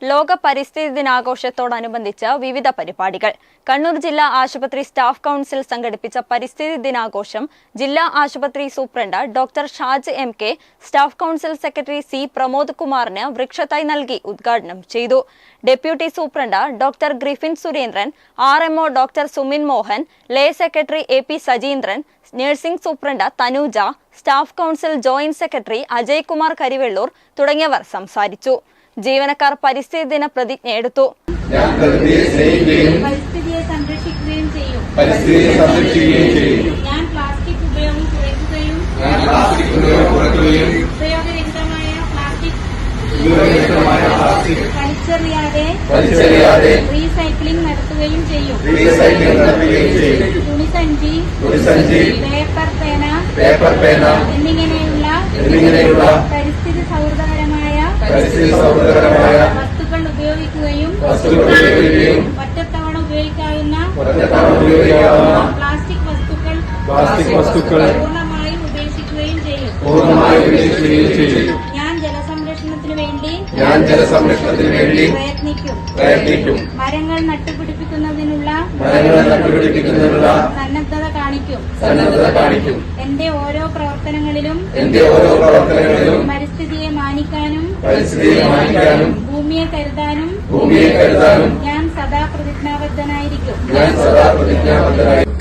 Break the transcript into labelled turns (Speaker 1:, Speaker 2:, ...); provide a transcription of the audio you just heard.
Speaker 1: ലോക പരിസ്ഥിതി ദിനാഘോഷത്തോടനുബന്ധിച്ച് വിവിധ പരിപാടികൾ. കണ്ണൂർ ജില്ലാ ആശുപത്രി സ്റ്റാഫ് കൗൺസിൽ സംഘടിപ്പിച്ച പരിസ്ഥിതി ദിനാഘോഷം ജില്ലാ ആശുപത്രി superintendent doctor Shaj M K. Staff council secretary C. Pramod കുമാറിന് വൃക്ഷത്തൈ നൽകി ഉദ്ഘാടനം ചെയ്തു. Deputy superintendent doctor Griffin Surendran, RMO doctor Sumin Mohan, lay secretary A.P. Sajeendran, nursing superintendent Thanuja, staff council joint secretary Ajay Kumar Karivellur തുടങ്ങിയവർ സംസാരിച്ചു. ജീവനക്കാർ പരിസ്ഥിതി ദിന പ്രതിജ്ഞ എടുത്തു.
Speaker 2: പരിസ്ഥിതിയെ സംരക്ഷിക്കുകയും ചെയ്യും. ഞാൻ പ്ലാസ്റ്റിക് ഉപയോഗം കുറയ്ക്കുകയും ഉപയോഗരഹിതമായ പ്ലാസ്റ്റിക് വലിച്ചെറിയാതെ റീസൈക്ലിംഗ് നടത്തുകയും ചെയ്യും. തുണിസഞ്ചി, പേപ്പർ പേന എന്നിങ്ങനെയുള്ള പരിസ്ഥിതി സൗഹൃദകരമായ വസ്തുക്കൾ ഉപയോഗിക്കുകയും ഒറ്റത്തവണ ഉപയോഗിക്കാവുന്ന പ്ലാസ്റ്റിക് വസ്തുക്കൾ പൂർണ്ണമായും ഉപേക്ഷിക്കുകയും ചെയ്യും. ഞാൻ ജലസംരക്ഷണത്തിനു വേണ്ടി പ്രയത്നിക്കും. മരങ്ങൾ നട്ടുപിടിപ്പിക്കുന്നതിനുള്ള സന്നദ്ധത കാണിക്കും. എന്റെ ഓരോ പ്രവർത്തനങ്ങളിലും പരിസ്ഥിതിയെ മാനിക്കാനും ഭൂമിയെ കരുതാനും ഞാൻ സദാ പ്രതിജ്ഞാബദ്ധനായിരിക്കും.